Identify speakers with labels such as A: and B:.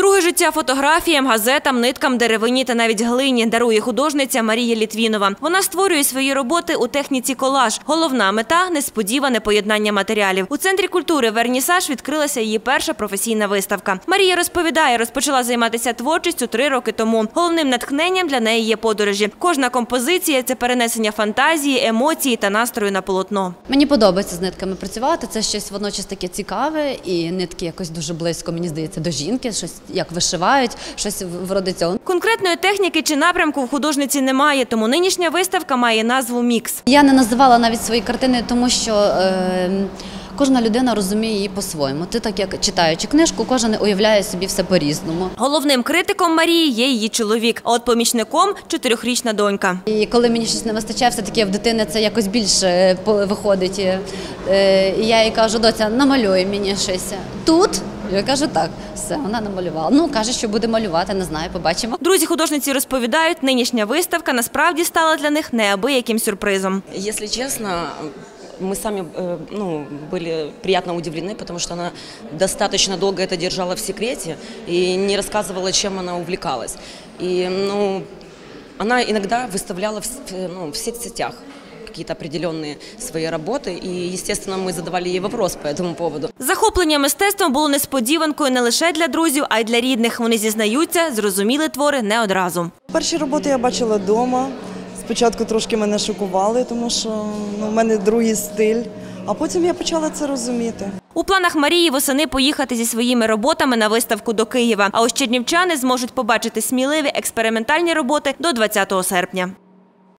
A: Друге життя фотографіям, газетам, ниткам, деревині та навіть глині дарує художниця Марія Літвінова. Вона створює свої роботи у техніці колаж. Головна мета – несподіване поєднання матеріалів. У Центрі культури «Вернісаж» відкрилася її перша професійна виставка. Марія розповідає, розпочала займатися творчістю 3 роки тому. Головним натхненням для неї є подорожі. Кожна композиція – це перенесення фантазії, емоції та настрою на полотно.
B: Мені подобається з нитками працювати, це щось водночас таке цікаве і нитки якось дуже близько, мені здається, до жінки, щось як вишивають, щось вроде цього.
A: Конкретної техніки чи напрямку в художниці немає, тому нинішня виставка має назву «Мікс».
B: Я не називала навіть свої картини, тому що кожна людина розуміє її по-своєму. Ти так як читаючи книжку, кожен уявляє собі все по-різному.
A: Головним критиком Марії є її чоловік, а от помічником – 4-річна донька.
B: І коли мені щось не вистачає, все-таки в дитини це якось більше виходить. І я їй кажу: доця, намалюй мені щось тут. Я кажу: так, все, вона намалювала. Ну, каже, що буде малювати, не знаю, побачимо.
A: Друзі художниці розповідають, нинішня виставка насправді стала для них неабияким сюрпризом.
C: Якщо чесно, мы сами были приятно удивлены, потому что она достаточно долго это держала в секрете и не рассказывала, чем она увлекалась. И она иногда выставляла в соцсетях какие-то определенные свои работы, и, естественно, мы задавали ей вопрос по этому поводу.
A: Захоплення мистецтвом було несподіванкою не лише для друзів, а й для рідних. Вони зізнаються, зрозуміли твори не одразу.
D: Перші роботи я бачила вдома. Спочатку трошки мене шокували, тому що в мене другий стиль, а потім я почала це розуміти.
A: У планах Марії восени поїхати зі своїми роботами на виставку до Києва. А ось чернівчани зможуть побачити сміливі експериментальні роботи до 20 серпня.